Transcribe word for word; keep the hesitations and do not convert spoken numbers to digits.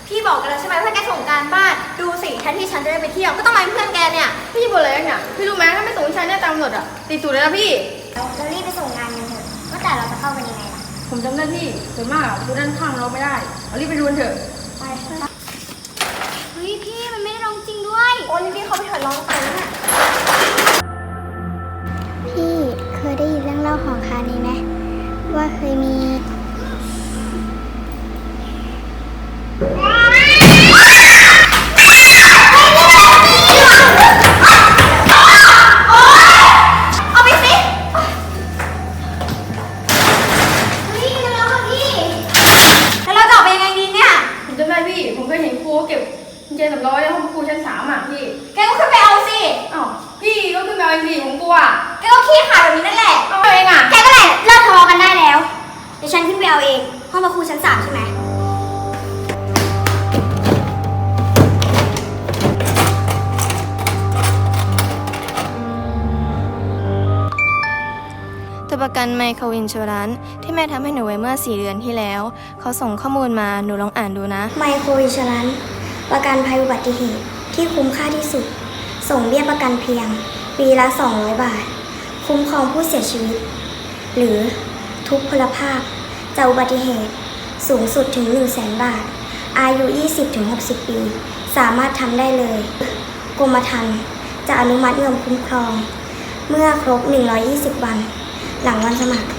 พี่บอกกันแล้วใช่ไหมว่าแกส่งการบ้านดูสิแทนที่ฉันจะได้ไปเที่ยวก็ต้องมาเป็นเพื่อนแกเนี่ยพี่บ่นอะไรเนี่ยพี่รู้ไหมถ้าไม่ส่งฉันเนี่ยตามกำหนดอ่ะติดสูตรเลยนะพี่เรารีบไปส่งงานกันเถอะว่าแต่เราจะเข้ากันยังไงล่ะผมจำได้พี่ส่วนมากอะดูด้านข้างเราไม่ได้เรารีบไปดูกันเถอะไปเฮ้ยพี่มันไม่ได้ร้องจริงด้วยโอ้ยพี่เขาไปถอดร้องไปแล้วเนี่ยพี่เคยได้ยินเรื่องเล่าของคานี้ไหมว่าเคยมีผมเคยเห็นครูเก็บกุญแจสำรองในห้องครูชั้นสามอ่ะพี่แกก็ขึ้นไปเอาสิอ้าวพี่ก็ขึ้นไปเอาสิผมกลัวแกก็ขี้ขลาดแบบนี้นั่นแหละเอาเองอ่ะแกก็แหละเลิกทะเลาะกันได้แล้วเดี๋ยวฉันขึ้นไปเอาเองห้องครูชั้นสามใช่ไหมตัวประกันไมโครอินชัวรันที่แม่ทำให้หนูไว้เมื่อสี่เดือนที่แล้วเขาส่งข้อมูลมาหนูลองอ่านดูนะไมโครอินชัวรันประกันภัยอุบัติเหตุที่คุ้มค่าที่สุดส่งเบี้ยประกันเพียงปีละสองร้อยบาทคุ้มครองผู้เสียชีวิตหรือทุพพลภาพจากอุบัติเหตุสูงสุดถึง หนึ่งแสน บาทอายุ ยี่สิบถึงหกสิบ ปีสามารถทำได้เลยกรมธรรม์จะอนุมัติเงินคุ้มครองเมื่อครบหนึ่งร้อยยี่สิบวันหลังวันสมัคร